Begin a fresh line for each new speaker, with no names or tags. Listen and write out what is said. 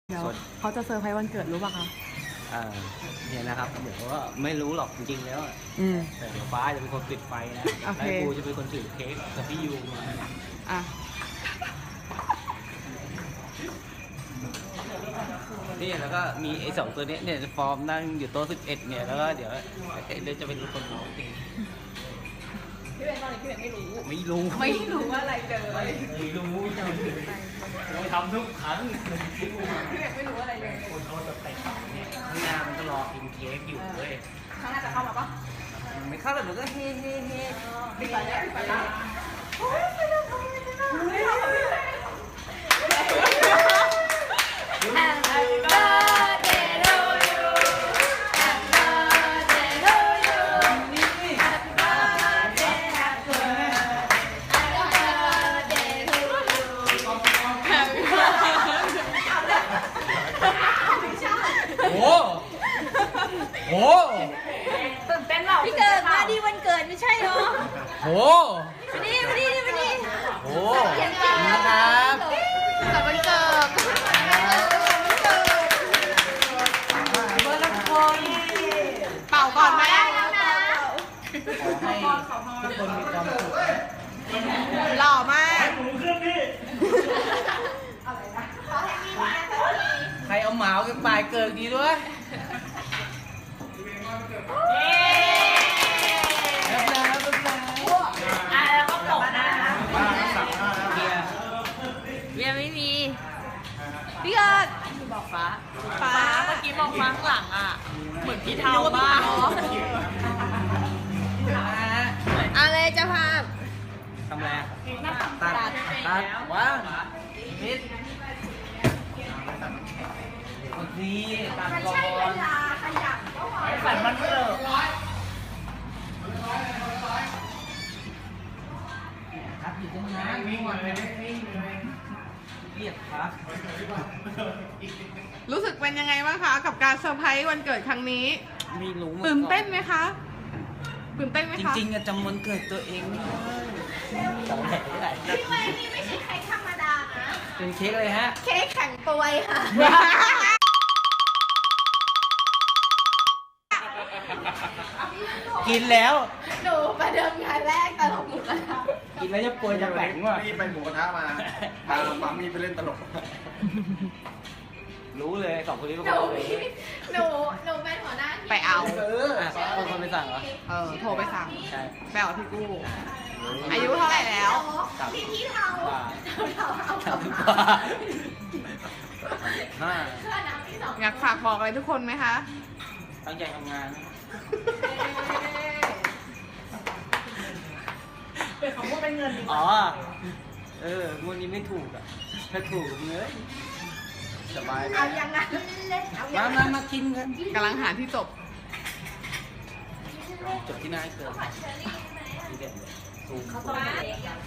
เดี๋ยวเขาจะเซอร์ไพรส์วันเกิดรู้ป่ะคะ
เนี่ยนะครับเดี๋ยวก็ไม่รู้หรอกจริงๆแล้วแต่เดี๋ยวฟ้าจะเป็นคนปิดไฟนะแล้วกูจะเป็นคนถือเค้กกับพี่ยูมานี่แล้วก็มีไอ้สองตัวนี้เนี่ยจะฟอร์มนั่งอยู่โต๊ะ11เนี่ยแล้วก็เดี๋ยวจะเป็นคนร้องเพลง
พี่เบนตอนนี้พี่เบนไม่รู้ว่าอะไรเลย
ไม่รู้เราทำทุกครั้ง
พี่เบนไม่รู้อะไรเลย
คนเขาจะแต่งเนี่ยข้างหน้ามันก็รอกินเค้กอยู่เลย
ข้างหน้าจะเข้ามาปะ
ไม่เข้าแต่มันก็เฮ้
ปิดไฟแล้วโอ้ยไปแล้ว
โอ้
ตื่นเต้นเปล่า
พี่เกิดมาดีวันเกิดไม่ใช่เหรอ
โอ้
มาดี
โอ้นะครับ
กับวันเกิดเบอร์ละคนเป่าก่อนไหมแล้วนะ
ขอให้ทุกคนมีความสุข
หล่อมาก
ใครเอาหมาเอาไปเกิดดีด้วย
แล้วก็ตกนะเบียร์ไม่มีพี่เกิดบอกฟ้าเมื่อกี้มองฟ้าข้างหลังอ่ะเหมือนพี่เทามากอะไรจะพา
ทำอะไรตัดว้าวนิดนี่ตัดก่อนฝันมันเกิดครับอยู่ตรงนั้นวิ่งมาเลยเรียกครับ
รู้สึกเป็นยังไงบ้างคะกับการเซอร์ไพรส์วันเกิดครั้งนี้
ไม่รู้
ตื่นเต้นไหมคะตื่นเต้นไหมคะ
จริงๆจะวันเกิดตัวเองไม่ได้
พี่ไว้นี่ไม่ใช่เค้กธรรมดานะ
เป็นเค้กเลยฮะ
เค้กแข็งปวยค่ะ
กินแล้ว
หนูประเดิมงานแรกตลกหมูกระทะ
กินแล้วจะป่วยจะแข็งว่ะ
นี่ไปหมูกระทะมาพาปั๊มมีไปเล่นตลก
รู้เลยสองคนนี้เป็นคน
หนูเป็นหัวหน้า
ไปเอา
คนไปสั่งเหรอ
โทรไปสั่ง
ใช่
ไปเอาพี่กู้อายุเท่าไหร่แล้ว
พี่เทา
อยากฝากบอกอะไรทุกคนไหมคะ
ตั้งใจทำงาน
เป็นคำว่าเป็นเงิน
อ๋อวันนี้ไม่ถูกอ่ะถ้าถูกเนื้อสบาย
เอาอย่างนั้นเล่น
มากินกัน
กำลังหาที่จบ
ที่นายเกิด